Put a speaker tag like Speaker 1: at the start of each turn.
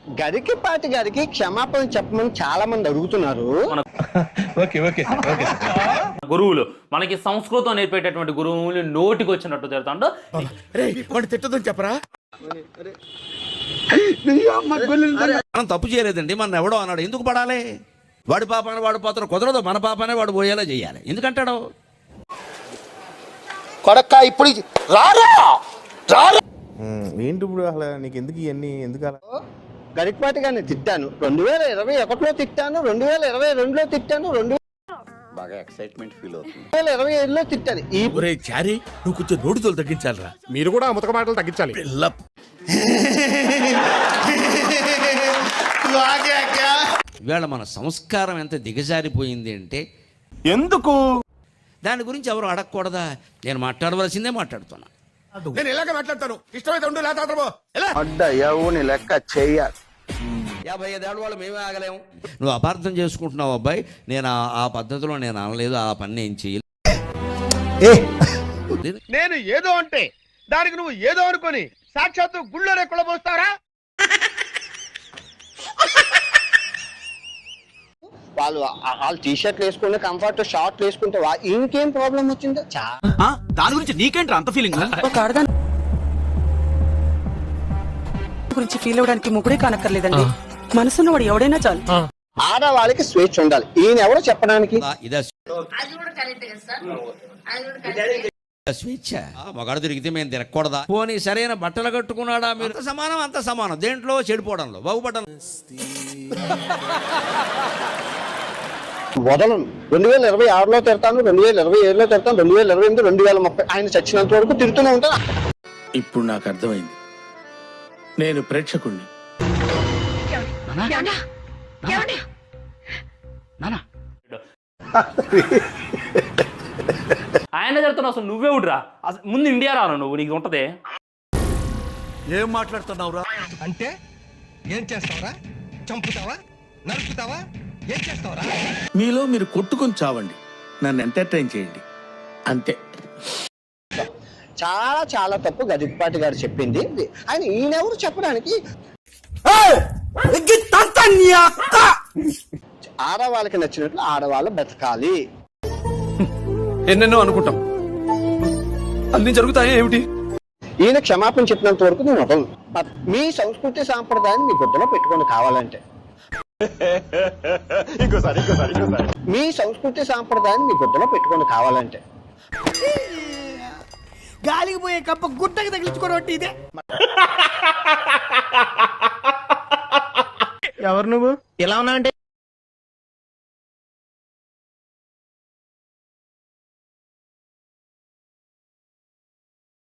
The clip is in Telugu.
Speaker 1: గరికపాటి గారికి క్షమాపణ చెప్పమని చాలా మంది అడుగుతున్నారు.
Speaker 2: గురువులు మనకి సంస్కృతం నేర్పేటటువంటి గురువులు నోటికి వచ్చినట్టు తిడతాండు.
Speaker 3: తిట్టదని చెప్పరా?
Speaker 4: మనం తప్పు చేయలేదండి, మన ఎవడో అన్నాడు, ఎందుకు పడాలి? వాడి పాపాన్ని వాడు పోతాడు, కుదరదు. మన పాపాన్ని వాడు పోయేలా చేయాలి. ఎందుకంటాడు
Speaker 3: కొడక్క ఇప్పుడు రారా
Speaker 5: ఏంటి ఇప్పుడు అసలు నీకు ఎందుకు ఇవన్నీ ఎందుకు అలా?
Speaker 1: గరికపాటి గారిని తిట్టాను, 2021లో తిట్టాను, 2022లో తిట్టాను,
Speaker 6: బాగా ఎక్సైట్మెంట్ ఫీల్ అవుతుంది.
Speaker 1: 2027లో తిట్టాను. ఈ
Speaker 3: చారీ నువ్వు కొంచెం నోటితో తగ్గించాలరా.
Speaker 5: మీరు కూడా ముతక మాటలు తగ్గించాలి.
Speaker 4: ఇవాళ మన సంస్కారం ఎంత దిగజారిపోయింది అంటే
Speaker 5: ఎందుకు?
Speaker 4: దాని గురించి ఎవరు అడగకూడదా? నేను మాట్లాడవలసిందే మాట్లాడుతున్నా.
Speaker 3: నేను ఇలాగే మాట్లాడతాను, ఇష్టమైతే ఉండు, లేదా
Speaker 1: అడ్డయ్యవుని లెక్క చెయ్యాలి.
Speaker 4: 55 ఏళ్ళ వాళ్ళు మేమే ఆగలేము. నువ్వు అపార్థం చేసుకుంటున్నావు అబ్బాయి. నేను ఆ పద్ధతిలో నేను అనలేదు, ఆ పని నేను చేయలేదు.
Speaker 3: నేను ఏదో అంటే దానికి నువ్వు ఏదో అనుకొని సాక్షాత్తు గుళ్ళోనే కుళ్ళబోస్తారా?
Speaker 1: వాళ్ళు టీ షర్ట్లు వేసుకుంటే కంఫర్ట్, షార్ట్లు వేసుకుంటే ఇంకేం ప్రాబ్లం వచ్చిందో.
Speaker 7: దాని గురించి నీకేంట్రా అంత ఫీలింగ్?
Speaker 8: ఒక ఆడదాని గురించి ఫీల్ అవడానికి ముగ్గురే కానక్కర్లేదండి, మనసున్నవాడు ఎవడైనా చాలు.
Speaker 1: ఆడవాళ్ళకి స్వేచ్ఛ ఉండాలి. ఈయన ఎవరో చెప్పడానికి.
Speaker 4: ఇదే స్వేచ్ఛ. మగాడు తిరిగితే మేము తిరగకూడదా? పోనీ సరైన బట్టలు కట్టుకున్నాడా? మీరు అంత సమానం దేంట్లో చెడిపోవడంలో, బాగుపడడం.
Speaker 1: వదలను. 2026లో తిడతాను, 2027లో తిడతాను, 2028, 2030 ఆయన చచ్చినంత వరకు తిడుతూనే ఉంటాను.
Speaker 3: ఇప్పుడు నాకు అర్థమైంది, నేను ప్రేక్షకుణ్ణి.
Speaker 2: ఆయన తిడుతున్నావు, అసలు నువ్వే ఉడ్రా. అసలు ముందు ఇండియా రాను నువ్వు, నీకు ఉంటదే.
Speaker 3: ఏం మాట్లాడుతున్నావురా?
Speaker 7: అంటే ఏం చేస్తావరా? చంపుతావా? నరుకుతావా? ఏం చేస్తావరా?
Speaker 3: మీలో మీరు కొట్టుకొని చావండి, నన్ను ఎంటర్టైన్ చేయండి, అంతే.
Speaker 1: చాలా చాలా తప్పు గరికపాటి గారు చెప్పింది. ఆయన ఈయనెవరు చెప్పడానికి? ఆడవాళ్ళకి నచ్చినట్లు ఆడవాళ్ళు బతకాలి.
Speaker 7: ఎన్నెన్నో అనుకుంటాం, అన్ని జరుగుతాయి ఏమిటి?
Speaker 1: ఈయన క్షమాపణ చెప్పినంత వరకు నేను వదలను. మీ సంస్కృతి సాంప్రదాయాన్ని మీ గుడ్డలో పెట్టుకొని కావాలంటే, మీ సంస్కృతి సాంప్రదాయాన్ని మీ గుడ్డలో పెట్టుకొని కావాలంటే,
Speaker 8: గాలికి పోయే కప్ప గుట్టకి తగిలించుకోవడం ఇదే.
Speaker 1: ఎవరు నువ్వు? ఎలా ఉన్నా అంటే